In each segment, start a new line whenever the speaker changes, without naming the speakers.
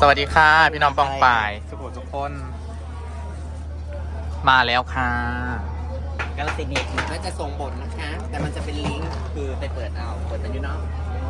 สวัสดีค่ะพี่น้องปองป่ายสุขุมทุกคน มาแล้วค่ะ
กาลสินธุ์มันก็จะส่งบทนะคะ แต่มันจะเป็นลิงก์คือไปเปิดเอาเปิดมันอยู่เนาะ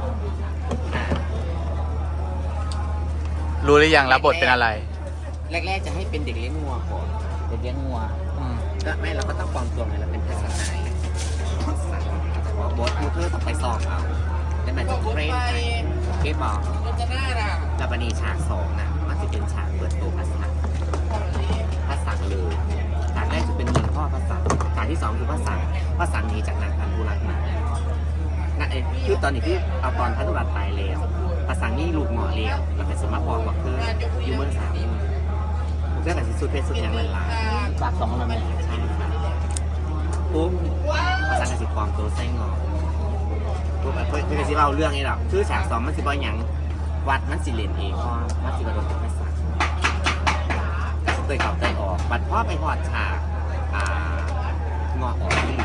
รู้หรือยังรับบทเป็นอะไร
แรกๆจะให้เป็นเด็กเลี้ยงงัวก่อน
เด็กเลี้ยงงัว
ก็ไม่เราก็ต้องปลอมตัวไงเราเป็นภาษาไทยแต่ว่าบทมูเธอต้องไปสอบเอาแล้วมันจะเทรนไทยเก็บบอกแล้วบันนี้ฉากสองนะมันจะเป็นฉากเปิดตัวภาษาเลยฉากแรกจะเป็นเมืองพ่อภาษาฉากที่สองคือภาษาหนีจากนางพันธุรัตน์มานั่นเองคือตอนนี้ที่เอาตอนพันธุรัตน์ตายแล้วภาษานี่ลูกหมอเลี้ยวเราเป็นสมัครบอกว่าคืออยู่เมืองสามเรื่องแต่สุดเพศสุดอย่างหลายๆ
ปากสองแล้วแม่
ใช่ค่ะปุ๊บภาษากสิกรตัวไส้งอปุ๊บเพื่อนสิเราเรื่องนี้หรอกคือฉากสองมันสิบอยอย่างวัดมันสิเรียนเองเพราะมันสิบโดนเป็นภาษาเคยเข่าใจออกบัดพ่อไปหอดฉากงอออกนี่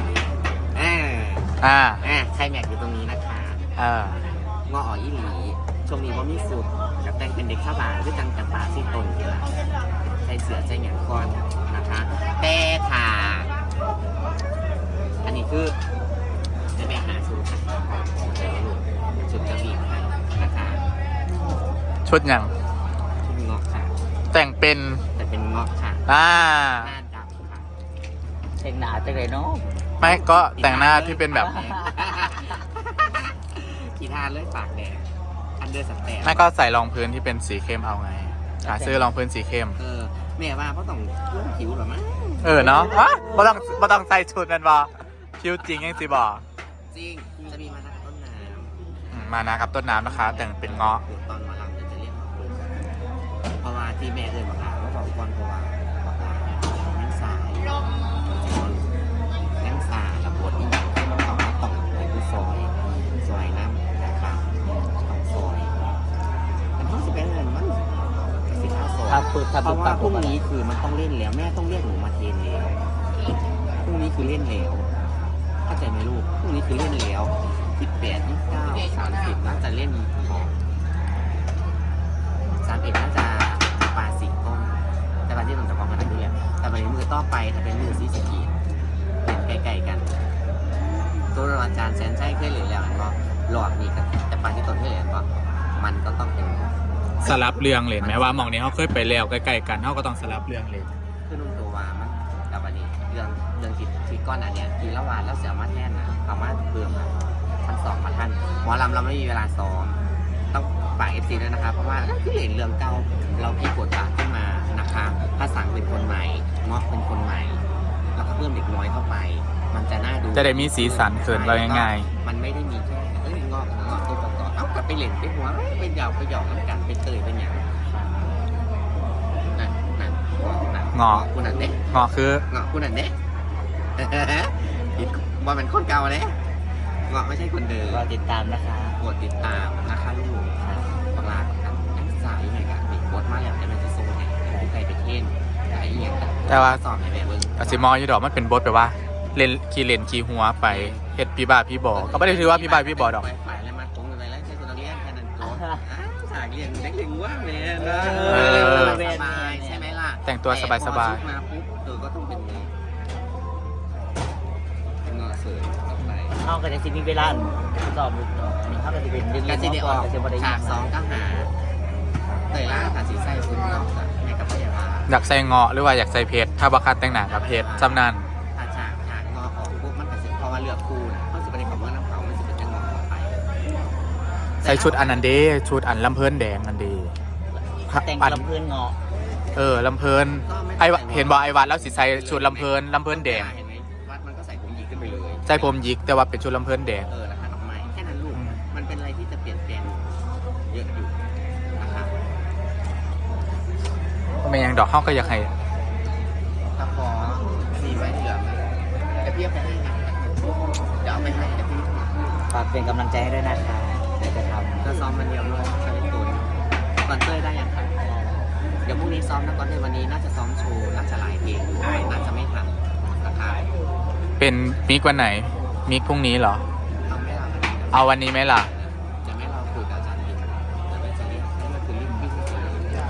ใครแม็กอยู่ตรงนี้นะคะงอออกยี่หลีช่วงนี้ว่ามีสุดกับแต่งเป็นเด็กข้าบานด้วยจังจังป่าซี่ตนนี่แหละใส่เสือใจหยางก่อนนะคะแต่ถ่าอันนี้คือจะไปหาชุดชุดกระบี่ไทยนะคะ
ชุดยัง
ชุดเงาะค่ะ
แต่งเป็น
แต่เป็นเงาะค่ะ
อ่า
หน้าดำค่ะ
เด็กหนาจังเลยเนาะ
ไม่ก็แต่งหน้าที่เป็นแบบ
กีทานเลยปากแดงอันเดอร์สแตน
ไม่ก็ใส่รองพื้นที่เป็นสีเข้มเอาไงหาซื้อรองพื้นสีเข้ม
แม่ว่าเพราะต้องรุ่งผิวหรอมั้ง
เนาะไม่ต้องใส่ชุดนั่นบอคิวจริงยังสิบอ
จริงจะมีมาจากต้นน้ำ
มานะครับต้นน้ำนะคะ แต่งเป็นเงาะ
ตอนมาลำจะเรียกเพราะว่าที่แม่เอ่ยบอกว่าบอกก่อนเพราะว่าบอกว่านั่งสายนั่งสายระบดนี่ต้องไปดูซอยน้ำนะครับต้องซอยมันต้องสิเป็นเงินมันสิข้าวซอย
ถ้าปืดถ้า
เพ
ปื
ราะ
ด
ว่าพรุ่งนี้คือมันต้องเล่นแล้วแม่ต้องเรียกหนูมาเทรนแล้วพรุ่งนี้คือเล่นแล้วเข้าใจไหมลูกพรุ่งนี้คือเล่นแล้ว18 29 30น่าจะเล่น31น่าจะปาสิต้นแต่วันที่ต้องจะพร้อมกันดูแล้วแต่วันนี้มือต่อไปถ้าเป็นมือซีสกีเล่นใกล้ๆกันตัวอาจารย์แสนใช้เคยเล่นแล้วมันก็หลอดนี่กันแต่ปาที่ต้นเคยเล่นก็มันก็ต้องเป็น
สลับเรื่องเลยไหมว่าหมองนี้เขาเคยไปแล้วใกล้ๆกันเขาก็ต้องสลับเรื่องเลย
คือนุ่มตัววามันแต่วันนี้เรื่องที่ก้อนอันเนี้ยทีละวันแล้วเสียมาแท่นนะเอามาเพิ่มท่านสองมาท่านหมอลำเราไม่มีเวลาซ้อมต้องฝ่ายFC ด้วยนะครับเพราะว่าคือเห็นเรื่องเก่าเราพี่กดบาทขึ้นมานะคะภาษาเป็นคนใหม่เงาะเป็นคนใหม่แล้วก็เพิ่มเด็กน้อยเข้าไปมันจะน่าดู
จะได้มีสีสันเขินเราง่าย
มันไม่ได้มีแค่เงาะตัวประกอบเอากลับไปเล่นไปหัวไปหยอกน้ำกันไปเตยเป็นอย่างนั่น
เงาะ
คุณนั่นเด้
เงาะคือ
เงาะคุณนั่นเด้บอลเป็นคนเก่าเลยเงาะไม่ใช่คนเดิม
รอติดตามนะคะ
กดติดตามนะคะลูกบังลาครับนักศึกษายังไงกันมีกดมาแล้วแต่มันจะส่งให้ผู้ใครไปเทนไอ้ยัง
แต่ว่า
สอบให้แม่เบิ้ง
อาซิมออยู่ดอกมันเป็นบทแบบว่าเล่นขี่หัวไปเฮ็ดพี่บ้าพี่บอก็ไม่ได้ถือว่าพี่บ้าพี่บอดอก
ไปแล้วมาตรงไปแล้วใช้คนเรียนแค่นั้นตัวสายเรียนเด็กเรียนว่าแม่สบายใช่ไหมล่ะ
แต่งตัวสบาย
มาปุ๊บก็ต้องเป็นเงาะเสริมต่อไป
เข้ากันจะมีเวลาสอบนี่เข้ากันจะเป็นเรื่อง
แล้วที่ได้ออก
จะบริ
ฉากสองก็หาเตยล่าค่ะสีไส้ฟุ้งเงาะแม่กับพยาบาล
อยากใส่เงาะหรือว่าอยากใส่เพชรถ้าบักคัดแต่งหน้ากับเพชรจำนาน
ถ้าฉากงอออกปุ๊บมันก็จะเพราะว่าเลือกคู่นะเขาจะไปในคำว่าน้ำเผามันจะเป็นจังหวะต่อไป
ใส่ชุดอันนันเดชุดอันลำเพลินแดงนันเด
แต่งลำเพื่อนเงาะ
ลำเพลินไอเห็นบอกไอวัดแล้วสิใส่ชุดลำเพลินแดง
เห็นไหมวัดมันก็ใส่ผมหยิกขึ้นไปเลย
ใส่ผมหยิกแต่ว่าเป็นชุดลำเพลินแดง
ราคาดอกไม้แค่นั้นลูกมันเป็นอะไรที่จะเปลี่ยนแปลงเยอะอยู่นะคะ
ไม่ยังดอกเขาก็อยากให้
ถ้าขอสีไว้เหลืองจะเพียบไปให้นะเดี๋ยวเอาไปให้นะพี่
ฝากเป็นกำลังใจให้ด้วยนะคะเดี๋ยวจะทำ
จะซ้อมมันเดียวเลยใช้ตัวก่อนเต้ยได้ยังครับเดี๋ยวพรุ่งนี้ซ้อมนะก่อนเต้ยวันนี้น่าจะซ้อมโชว์น่าจะหลายเพลงน่าจะไม่ทันนะคะ
เป็นมิกวันไหนมิกพรุ่งนี้เหรอ
เอาไม่หลับ
เอาวันนี้ไหมล่ะ
จะไม่เราคุยกับอาจารย์อีกจะไปจะเรียกนี่มันคือรีบวิ่งเลย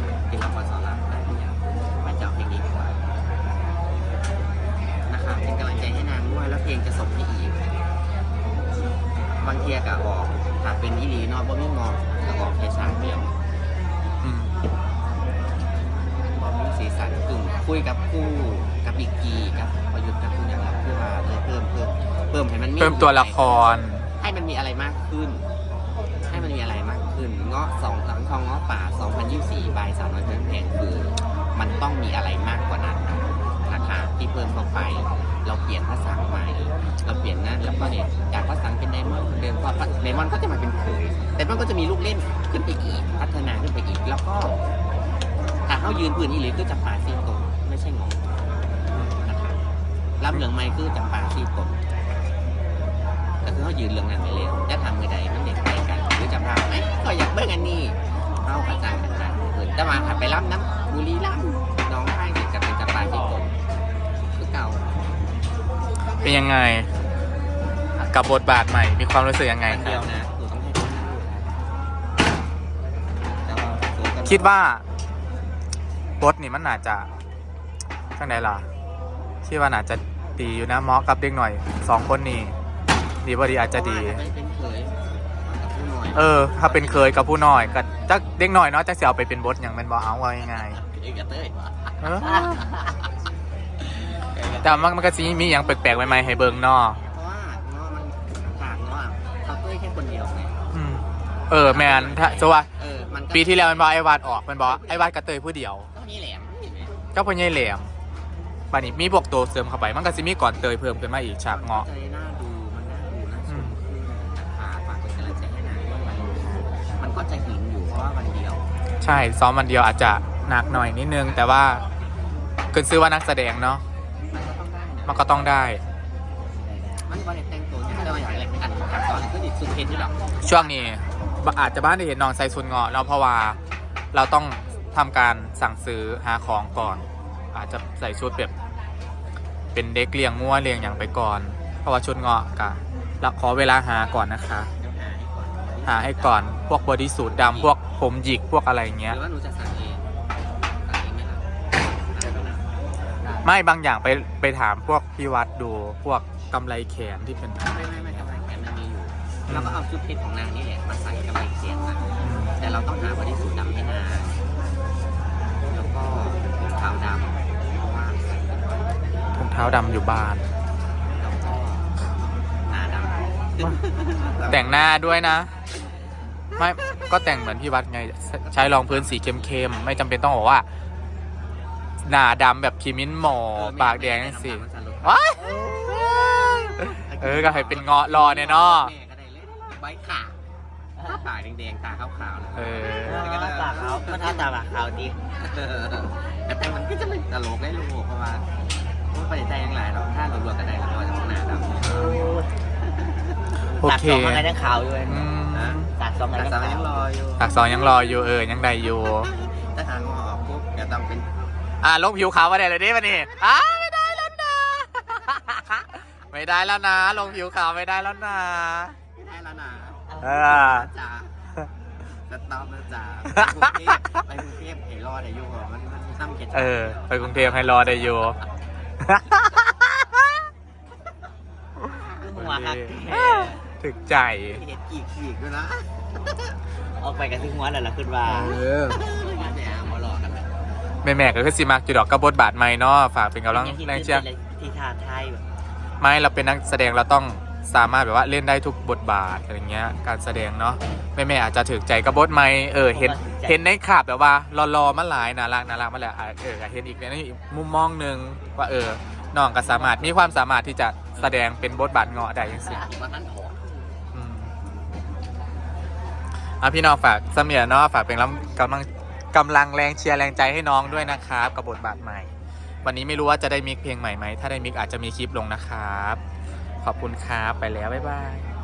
ทียกับบอกถ้าเป็นอีหลีเนอกบ่มีมองก็บอกแค่ฉากเดียว
อืม
บ่มีสีสันกึ่งคุยกับคู่กับอีกกีกับประยุทธ์กับคุณอย่างไรคือว่าเลยเพิ่มให้มันมี
เพิ่มตัวละคร
ให้มันมีอะไรมากขึ้น ให้มันมีอะไรมากขึ้นเงาะ2หลังทองเงาะป่า2024ใบ300เพิ่มแพงคือมันต้องมีอะไรมากกว่านั้นนะคะที่เพิ่มเข้าไปเราเปลี่ยนภาษาใหม่เราเปลี่ยนนั่นแล้วก็เนี่ยจากภาษาเป็นไดมอนด์เดิมก็ไดมอนด์ก็จะมาเป็นเขยแต่มันก็จะมีลูกเล่นขึ้นไปอีกพัฒนาขึ้นไปอีกแล้วก็ถ้าเขายืนพื้นอีหลีคือจำปาซีตนไม่ใช่งงนะคะรับเหลืองไม้คือจำปาซีตนแต่คือเขายืนเรื่องนั้นไปเลยจะทำมือใดมันเด็กไปกันหรือจำภาพไหมก็อยากเบิ่งอันนี้เข้ากระจังกันนะแต่มาขับไปรับน้ำบุรีรัมย์น้องไห้เด็กกับเป็นจำปาซีตนคือเก่า
เป็นยังไง กับบทบาทใหม่มีความรู้สึกยังไง
อัน
ค
เดีย
รั
ว
บ
นะหนูต้องให้คนนั่งดูแต่ว่าตัวกัน
คิดว่าบทนี่มันน่าจะข้างไหนล่ะคิดว่าน่าจะดีอยู่นะเหมาะกับเด็กหน่อย2 คนนี่ดีบ่ดีอาจจะดี
ไม่เป็นเคยกับผู้น้อย
ถ้าเป็นเคยกับผู้น้อยก็จักเด็กหน่อยเนาะจักสิเอาไปเป็นบทอย่างมันบ่เอาว่าง่าย
เอกเต้ย
ๆเออแต่มันก็สิมีอย่างแปลกๆใหม่ๆให้เบิ่งเนาะ
เพราะว่าเนาะมันถากเนาะเขาเต้ยแค่คนเดียวไง
อืมแมนถ้าสว่า
มัน
ปีที่แล้วมันบอกไอ้วาดออกมันบอกไอ้วาดกระเตยผู้เดียว
ก็นี่แหละ
ก็พ่อใหญ่แหลมบานี้มีพวกตัวเสริมเข้าไปมันก็สิมีก่อนเตยเพิ่มขึ้นมาอีกฉากเงาะ
ใจน่าดูมันน่าดูน่าชมฝากเป็นกำลังใจให้นางด้วยมันก็จะหินอยู่เพราะว่าวันเดียว
ใช่ซ้อมวันเดียวอาจจะหนักหน่อยนิดนึงแต่ว่าเกินซื้อว่านักแสดงเนาะ
มันก็ต้องได้
มันก็ต้องได้
มันก็ได้แต่งตัวอย่างแต่ว่าอย่างไรอันขับตอนนี้ก็ติดสุดเทนที่หรอก
ช่วงนี้อาจจะบ้านได้เห็นน้องใส่ชุดเงาะเนาะเพราะว่าเราต้องทำการสั่งซื้อหาของก่อน อาจจะใส่ชุดแบบเป็นเด็กเลี้ยงงัวเลี้ยงอย่างไปก่อน เพราะว่าชุดเงาะกะเราขอเวลาหาก่อนนะคะ
เดี๋ยวหาให้ก่อน
หาให้ก่อนพวกบอดี้สูทดำพวกผมหยิกพวกอะไรอย่าง
ห
เงี้ย
รือว่าหนูจะสั่งเองสั่งเองไหมล่ะได้ก็ได้
ไม่บางอย่างไปถามพวกพี่วัดดูพวกกำไรแขนที่เป็น
ไม่ทำไมแขนมันมีอยู่เราก็เอาชุดเพชรของนางนี่แหละมาใส่กับไอ้เสียงนะแต่เราต้องหาบริสุทธิ์ดำให้นางแล้วก็ขาวดำเพราะว่าใส่ไปก่อน
ถุงเท้าดำอยู่บ้าน
แล้วก็หน้าดำ
แต่งหน้าด้วยนะ ไม่ก็แต่งเหมือนพี่วัดไงใช้รองพื้นสีเข้มๆไม่จำเป็นต้องบอกว่า หน้าดำแบบคิมินหมอปากแดงสิว้ายก็ให้เป็นเงาะรอเนี่ยเนาะ
แม่ก็ได้เลยใบขาปากแดงๆตาขาวๆนะ
ปากเขาก็ท้าตาปากเขาดี
แต่มันก็จะไม่ตลกได้ลูกเพราะว่าไม่ไปใจยังไงหรอกถ้าเรารวมกันได้เราก็จะหน้าดำ
โอ
ปาก
เค
สองอะไรทั้งขาวอยู่
อืม
ปากสองอะไร
แต่
ทั้ง
สาว
ขาว
ยังรออยู่
ปากสองยังรออยู่ยังได้อยู่
ถ้าทางออกปุ๊บจะต้องเป็น
ลงผิวขาวมาได้เลยดิวันนี้ไม่ได้แล้วนะ ไม่ได้แล้วนะ ลงผิวขาวไม่ได้แล้วนะ
ไม่ได้แล้วนะ จ้าจะตอบนะจ้าไปกรุงเทพเอรอดอายุมันซ้ำเก็ต
ไปกรุงเทพให้รอได้อยู่
หัวหัก
ถึกใจ
เห็ดขีกด้วยนะ
ออกไปกันที่หัวแล้วล่ะขึ้นว่า
มาแหมมาหลอกกันนะ
แม่ก็คือสิมักจุดดอกกระบทบาทใหม่เนาะฝากเป็นกำลังแรงเชียร์
ที่ท่าไทยแบบ
ไม่เราเป็นนักแสดงเราต้องสามารถแบบว่าเล่นได้ทุกบทบาทอะไรเงี้ยการแสดงเนาะแม่อาจจะถึกใจกระบทใหม่เห็นในขาบแบบว่ารอมาหลายน่ารักมาแล้วเห็นอีกในอีกมุมมองหนึ่งว่าน้องก็สามารถมีความสามารถที่จะแสดงเป็นบทบาทเงาะได้ยังสิ
ว่าท่านถอด
พี่น้องฝากเสมียเนาะฝากเป็นกำลังแรงเชียร์แรงใจให้น้องด้วยนะครับกับบทบาทใหม่ วันนี้ไม่รู้ว่าจะได้มิกเพลงใหม่ไหมถ้าได้มิกอาจจะมีคลิปลงนะครับขอบคุณครับไปแล้วบ๊ายบาย